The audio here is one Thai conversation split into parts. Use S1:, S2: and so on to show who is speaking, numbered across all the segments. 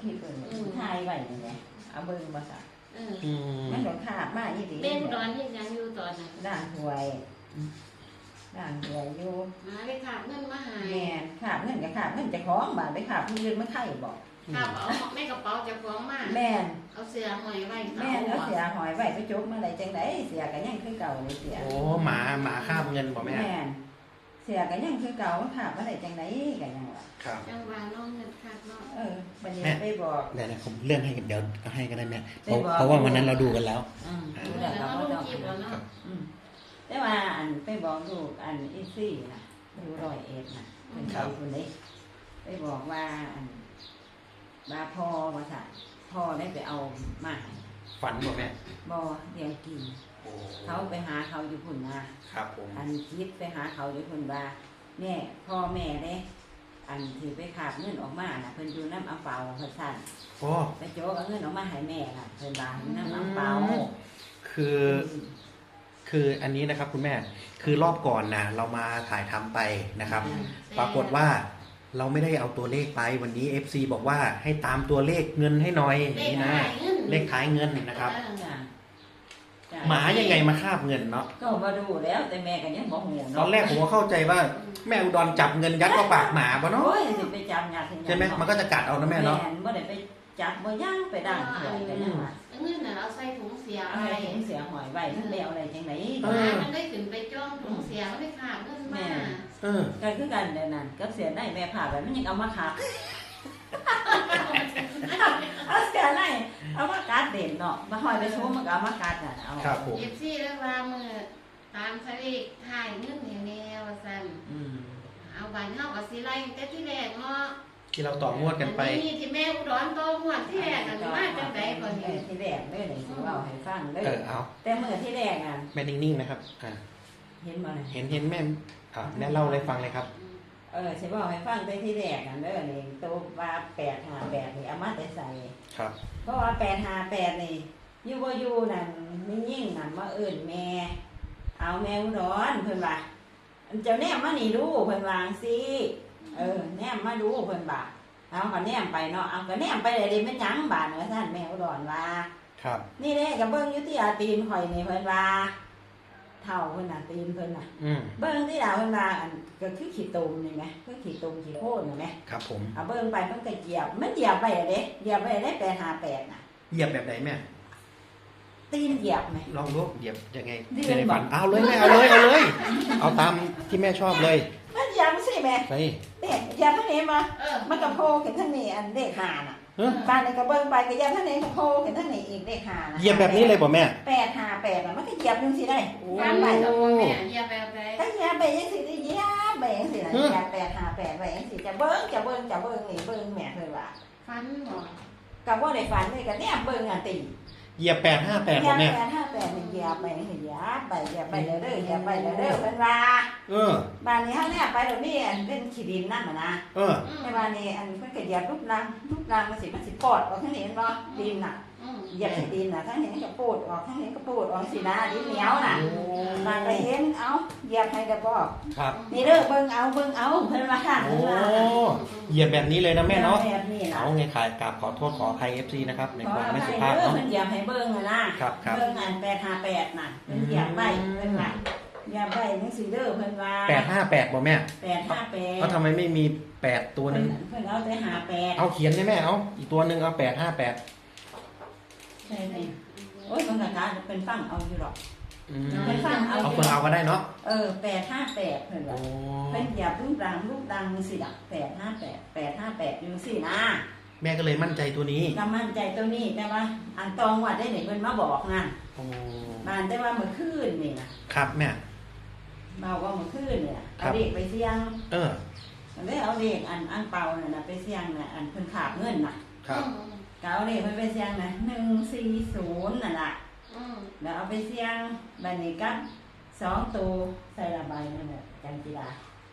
S1: คลิปถ่ายไว้นี่แหละเอาเบิ่งบ่ซะมันโดนขาบมาอีหลี
S2: แม่อุดรเฮ็ดหยังอยู่ตอนนั้น
S1: ด่างหวยอยู่
S2: มาไปขาบเงินมาหา
S1: แม่ขาบเงินก็ขาบเงินเจ้าของบาดไปขาบผู้อื่นมันไข่บ่
S2: ขาบเอาแม่กระเป๋าเจ้าของมา
S1: แม่น
S2: เอาเสื้อห้อยไว้
S1: แม่นเอาเสื้อห้อยไว้ไปจกมาได้จังได๋เสื้อก็ยังคือเก่าเลยเสื้อ
S3: โอ้หมาคาบเงินบ่แม่
S1: แม่นเสื้อก็ยังคือเก่าขาบมาได้จังได๋ก็ยังว่า
S3: ครับ
S2: จังหวะน้องเงินขาดเนาะ
S1: บัดนี้ไปบอก
S3: เดี๋ยวผมเลื่อนให้เดี๋ยวก็ให้ก็ได้แม่เพราะว่าวันนั้นเราดูกันแล้ว
S2: แล้วเราลงคลิปแล้วเนาะ
S1: แต่ว่าอันไปบอกลูกอันอีซี่น่ะอยู่101น่ะเป็นเขาคนนี้ไปบอกว่าอันว่าพ่อว่าซะพ่อได้ไปเอามา
S3: ฝันบ่แม่
S1: บ่เลี้ยงกินเขาไปหาเขาอยู่พุ่นนะครับ
S3: ผม
S1: อันคิดไปหาเขาอยู่พุ่นว่าแม่พ่อแม่เด้อันที่ไปขาบเงินออกมาน่ะเพิ่นอยู่น้ำอังเปาเพิ่นสั่นไปโจกเอาเงินออกมาให้แม่น่ะเพิ่นว่าน้ำอังเปา
S3: คืออันนี้นะครับคุณแม่คือรอบก่อนนะเรามาถ่ายทำไปนะครับ ปรากฏว่าเราไม่ได้เอาตัวเลขไปวันนี้ FC บอกว่าให้ตามตัวเลขเงินให้หน่อยนี่นะเลขท้ายเงินนะครับหมายังไงมาคาบเงินเนาะ
S1: ก็มาดูแล้วแต่แม่ก็ยังบ่ฮู้เนาะ
S3: ตอนแรกผมก็เข้าใจว่าแม่อุดรจับเงินยัดเข้าปากหมาบ่เนาะ
S1: โอ้ยสิไปจับยาก
S3: ใช่ไหมมันก็จะกัดเอานะแม่เนาะ
S1: บ่ได้ไปจับบ่ย่างไปด่างเถื่อนกันนะ
S2: เงินน่ะเราใส่ถุงเสีย
S1: ไว้ถุงเสียหอยไว้มันไปเอาอะไรจังได๋
S2: มันได้ขึ้นไปจ้องถุงเสียมันได้ขาบเงินมา
S1: ก็คือกันเดี๋ยวนั้นก็เสียได้แม่ผ่าไปมันยังเอามาขาบเอาเสียได้เอามากัดเด่นเนาะมาหอยไปโชว์มันก็เอามากัดน่ะเอา
S3: ครับผม
S2: FC แล้วว่ามือตามสลิกถ่ายเงินแนวว่าซั่นเอาบ้านเฮาก็สิไล่แต่ที่แรกเนาะ
S3: ที่เราต่องวดกันไป
S2: นี่ที่แม่อุดรต่องวดที่แรกอันนี้มาจังได๋ก่อนนี่
S1: ที่แรกเด้อนี่สิเว้าให้ฟังเด้อ
S3: เอา
S1: แต่มื้อที่แรกอ่ะ
S3: แม่นิ่งๆนะครับ
S1: เห็นบ่
S3: เห็นแม่แม่เล่าเลยฟังเลยครับ
S1: สิเว้าให้ฟังแต่ที่แรกนั่นเด้อนี่ตัวว่า858นี่เอามาแต่ใส่
S3: ครับ
S1: เพราะว่า858นี่อยู่บ่อยู่นั่นมียิ่งนั่นมาเอิ้นแม่เอาแม่อุดรเพิ่นว่าเจ้าแนมมานี่ดูเพิ่นวาจังซี่แนมมาดูเพิ่นบ่าเอาก็แนมไปเนาะเอาก็แนมไปได้มันหยังบาดเนาะท่านแม่อุดรว่า
S3: ครับ
S1: นี่เด้ก็เบิ่งอยู่ที่อาตีนข่อยนี่เพิ่นว่าเท่าเพิ่นน่ะตีนเพิ่นน่ะเบิ่งที่ดาวเพิ่นว่าอันก็คือขี้ตุ่มนี่แหมคือขี้ตุ่มขี้โพนนี่แหม
S3: ครับผม
S1: เอาเบิ่งไปเพิ่นก็เหยียบมันเหยียบไปเด้เหยียบไปได้858น่ะ
S3: เหยียบแบบไหนแม่
S1: ตีนเหยียบไหม
S3: ลองดูเหยียบยังไงในฝันเอาเลยแม่เอาเอาตามที่แม่ชอบเลย
S1: มันเหยียบสิแม่
S3: ใช่
S1: เด็กเหยียบทางนี้มามันก็โผล่ขึ้นทางนี้อันเลข5น่ะบ้านนี้ก็เบิ่งไปก็เหยียบทางนี้ก็โผล่ขึ้นทางนี้อีกเลข5น่ะ
S3: เหยียบแบบนี้เลยบ่แม่
S1: 858น่ะมันก็เหยียบจังซี่ได้
S2: การไปแล้วแม่เหยียบแบบใด
S1: ก็เหยียบไปจังซี่ได้เหยียบไปจังซี่น่ะเหยียบ858ไว้จังซี่จะเบิ่งนี่เบิ่งแม่เพิ่นว่า
S2: ฝันบ่
S1: ก็บ่ได้ฝันเลยก็แนมเบิ่งอันติ
S3: เหยียบ858บ่แม่
S1: 858นี่เหยียบไปเด้อเพิ่นว่าบ้านนี้เฮาเนี่ยไปตรงนี้อันเป็นขี้ดินนั่นน่ะนะในบ้านนี้อันเพิ่นก็เหยียบรูปร่างมันสิปอดออกทางนี้เห็นบ่ดินน่ะเหยียบที่ดินน่ะทั้งนี้ก็ปูดออกทั้งนี้ก็ปูดออกสินะดินเหนียวน่ะบ้านก็เห็นเอ้าเหยียบให้ได้บ่
S3: ครับ
S1: นี่เด้อเบิ่งเอาเพิ่นว่าค่ะ
S3: โอ้เหยียบแบบนี้เลยนะแม่เนาะเอาไงขายกราบขอโทษขออภัย FC นะครับในความไม่สุภาพเนาะ
S1: เพิ่นเหยียบให้เบิ่งน่ะเบิ่งอัน858น่ะเพิ่นเหยียบไว้เพิ่นว่าเหยียบไว้จังซี่เด้อเพิ่นว่า
S3: 858บ่แม่
S1: 858
S3: เอ้าทำไมไม่มี8ตัวนึง
S1: เพิ่นเอาแต่58
S3: เอาเขียนได้แม่เอาอีกตัวนึงเอา858
S1: ใช่โอ้ยมันก็การเป็นฟังเอาอยู่หรอก
S3: เป็นฟังเอาคนเอาก็ได้เนาะ
S1: 858เพิ่นว่าเพิ่นเหยียบรูปดังสิล่ะ858อยู่สินะ
S3: แม่ก็เลยมั่นใจตัวนี้
S1: ก็มั่นใจตัวนี้แต่ว่าอันตองวัดได้ไหนเพิ่นมาบอกนะบ้านแต่ว่าเมื่อคืนนี่นะครับ
S3: แม่
S1: มาว่าเมื่อคืนเนี่ยเอาเด็กไปเสี่ยงได้เอาเด็กอันเป่าน่ะไปเสี่ยงน่ะอันเพิ่นขาบเงินน่ะ
S3: ครับ
S1: ก็เอาเด็กไปเสี่ยงน่ะ140นั่นล่ะแล้วเอาไปเสี่ยงบัดนี้กับ2ตัวใส่ละใบนั่นแหละจันจิรา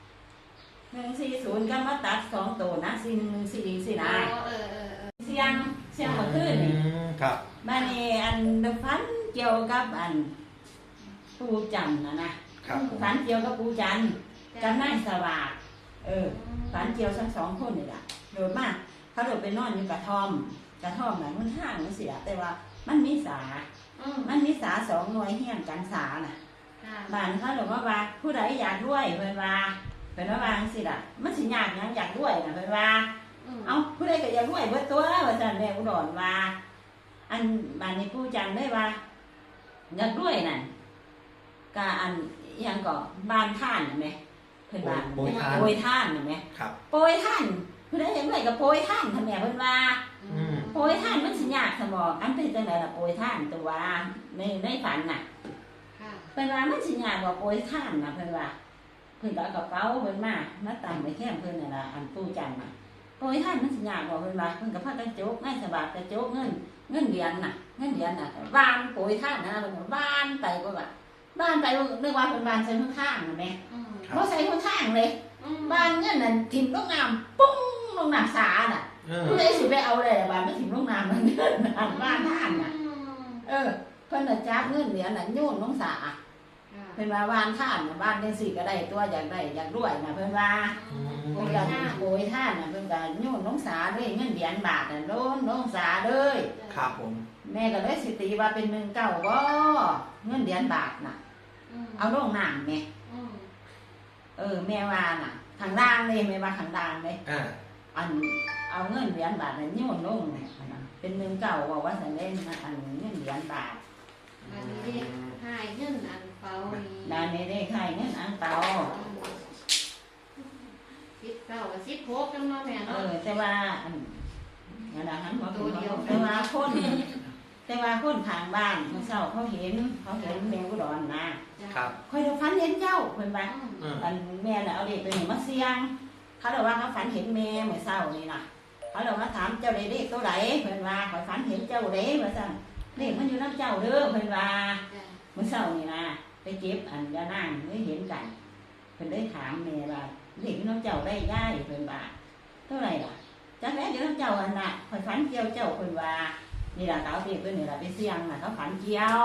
S1: 140ก็มาตัด2ตัวนะ414สินะเสี่ยงเมื่อคืนนี่
S3: ครับ
S1: บัดนี้อันฝันเกี่ยวกับอันปูจันนะฝันเกี่ยวกับปูจันกับนายสวัสดิ์ฝันเกี่ยวทั้ง2คนนี่ล่ะโดยมากเขเขาเลยไปนอนอยู่กระท่อมน่ะมันห่างมันเสียแต่ว่ามันมีสา2 หน่วยเฮี้ยงกันสาน่ะบ้านเขาเลยว่าผู้ใดอยากด้วยเพิ่นว่าสิล่ะมันสิยากหยังอยากด้วยน่ะเพิ่นว่าเอาผู้ใดก็อยากด้วยเบิดตัวว่าซั่นแม่อุดรว่าอันบ้านนี้ปู่จันได้ว่าอยากด้วยนั่นก็อันอิหยังก็บ้านท่านน่ะแม่เพิ่นว่าโปรยท่านน่ะแม่โปรยท่านผู้ใดอยากด้วยก็โปรยท่านท่านแม่เพิ่นว่าโปรยท่านมันสิยากสมองอันเป็นจังได๋ล่ะโปรยท่านตัวในฝันน่ะเพิ่นว่ามันสิยากกว่าโปรยท่านน่ะเพิ่นว่าเพิ่นก็เอากระเป๋าเพิ่นมาตั้งไว้แคมเพิ่นน่ะล่ะอันปู่จันน่ะโปรยท่านมันสิยากกว่าเพิ่นว่าเพิ่นก็พากันโจกในสบายกระโจกเงินเหรียญน่ะวานโปรยท่านนะเพิ่นก็วานไปก็ว่าบ้านไปนึกว่าเพิ่นวานใส่ข้างๆน่ะแม่บ่ใส่ข้างๆเลยบ้านเงินนั่นทิ่มลงน้ำปุ้งลงน้ำสาน่ะผู้ใดสิไปเอาเลยบ้านมันถิ่มลงน้ำมันเงินบ้านท่านน่ะเพิ่นน่ะจับเงินเหรียญน่ะโยนลงสาเพิ่นว่าวานท่านน่ะบ้านจังซี่ก็ได้ตัวอยากได้อยากรวยน่ะเพิ่นว่าโอยท่านน่ะเพิ่นก็โยนลงสาเลยเงินเหรียญบาทน่ะโดนลงสาเลย
S3: ครับผม
S1: แม่ก็เลยสิตีว่าเป็น19บ่เงินเหรียญบาทน่ะเอาลงน้ำแม่แม่ว่าน่ะข้างล่างเลยแม่ว่าข้างล่างเลยอันเอาเงินเหรียญบาทน่ะโยนลงเนี่ยเป็น19บอกว่าสันเล่นอันเงินเหรียญบาท
S2: อันนี้ให้เงินอันเปา
S1: ด้านนี้ได้ให้เงินอันเปา
S2: 16จังเนาะแม่เนาะ
S1: แต่ว่าอันนั่นน่ะหันหัวตัวเดียวแต่ว่าคนทางบ้านเมื่อเช้าเขาเห็นแมวอุดรนะครับค่อยฝันเห็นเจ้าเพิ่นว่าอันแม่น่ะเอาเด็กตัวนี้มาเสี่ยงเขาเลยว่าเขาฝันเห็นแม่เมื่อเช้านี่น่ะเขาเลยมาถามเจ้าได้เลขตัวไหนเพิ่นว่าข่อยฝันเห็นเจ้าเด้ว่าซั่นเลขมันอยู่นำเจ้าเด้อเพิ่นว่าเมื่อเช้านี่นะไปเก็บอันยานางได้เห็นกันเพิ่นได้ถามแม่ว่าเลขอยู่นำเจ้าได้ย่ายเพิ่นว่าเท่าไหร่ล่ะจักแม่อยู่นำเจ้าอันน่ะข่อยฝันเกี่ยวเจ้าเพิ่นว่านี่ล่ะเขาเอาเลขตัวนี้ล่ะไปเสี่ยงน่ะเขาฝันเกี่ยว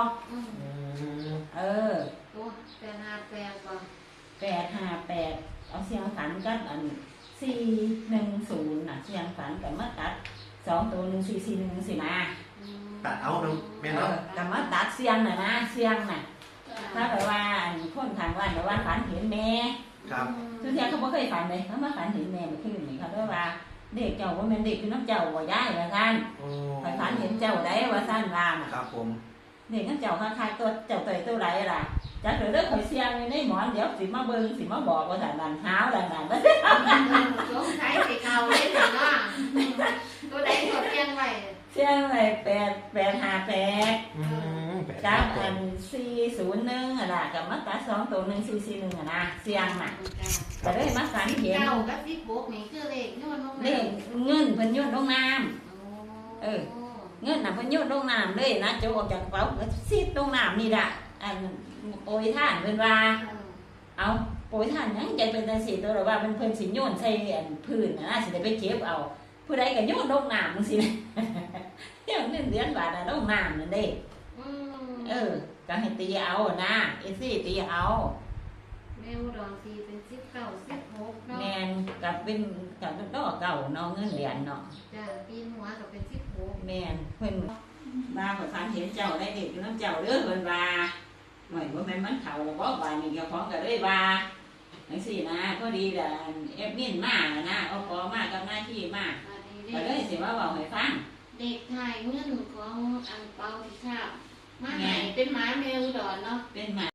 S2: ตัว858บ่
S1: 858เอาเสียงฝันกับอัน410น่ะเสียงฝันกับมาตัด2ตัว1441สินะ
S3: ตัดเอาเนาะแม่เนาะ
S1: กับมาตัดเสียงน่ะนะเสียงน่ะถ้าแบบว่าคนทางบ้านแบบว่าฝันเห็นแม่
S3: ครับ
S1: ทุกทีเขาบ่เคยฝันเลยเขามาฝันเห็นแม่เมื่อคืนนี่เขาด้วยว่าเด็กเจ้าว่าแม่เด็กคือน้ำเจ้าบ่ย้ายว่าซั่นฝันเห็นเจ้าได้ว่าซั่นว่าน่ะ
S3: ครับผม
S1: เด็กน้ำเจ้าคล้ายๆตัวเจ้าตัวใดล่ะจักเด้อข่อยเสียงในหมอนเดี๋ยวสิมาเบิ่งสิมาบอกว่าซั่นนั่นหาวนั่น
S2: สงสัยสิเอาเลยซั่นว่าตัวใดก็เสียงไว้
S1: 858จับอัน401อ่ะล่ะกับมาตัด2ตัว1441อ่ะนะเสียงน่ะก็เลยมาฝันเห็น
S2: 9กับ16นี่คือเลขโยนลงน้ำ
S1: เลขเงินเพิ่นโยนลงน้ำเงินน่ะเพิ่นโยนลงน้ำเลยนะโจออกจากกระเป๋าก็ซีดลงน้ำนี่ล่ะอันโปรยท่านเพิ่นว่าเอาโปรยท่านหยังใจเป็นจังซี่ตัวหรือว่าเพิ่นสิโยนใส่อันพื้นน่ะสิได้ไปเก็บเอาผู้ใดก็โยนลงน้ำจังซี่นะอย่างเงินเหรียญบาทน่ะลงน้ำนั่นเด้ก็ให้ตีเอานะตีเอา
S2: แม่อุดรตีเป็น19 16เนาะ
S1: แม่นกับเป็นกับดอกเก่าเนาะเงินเหรียญเนาะ
S2: จ้ะปีนหัวก็เป็น16
S1: แม่นเพิ่นมาข่อยฝันเห็นเจ้าได้เด็กอยู่นำเจ้าเด้อเพิ่นว่าหน่อยบ่แม่นมันเข้าบ่บาดนี้เจ้าของก็เลยว่าจังซี่นะก็ดีแหละแอดมินมานะเอาขอมากับหน้าที่มาก็เลยสิว่าเว้าให้ฟัง
S2: เด็กไทยเงินของอันเปาที่ค่ะมาให้เป็นหมาแมวอุดรเนาะ
S1: เป็นหมา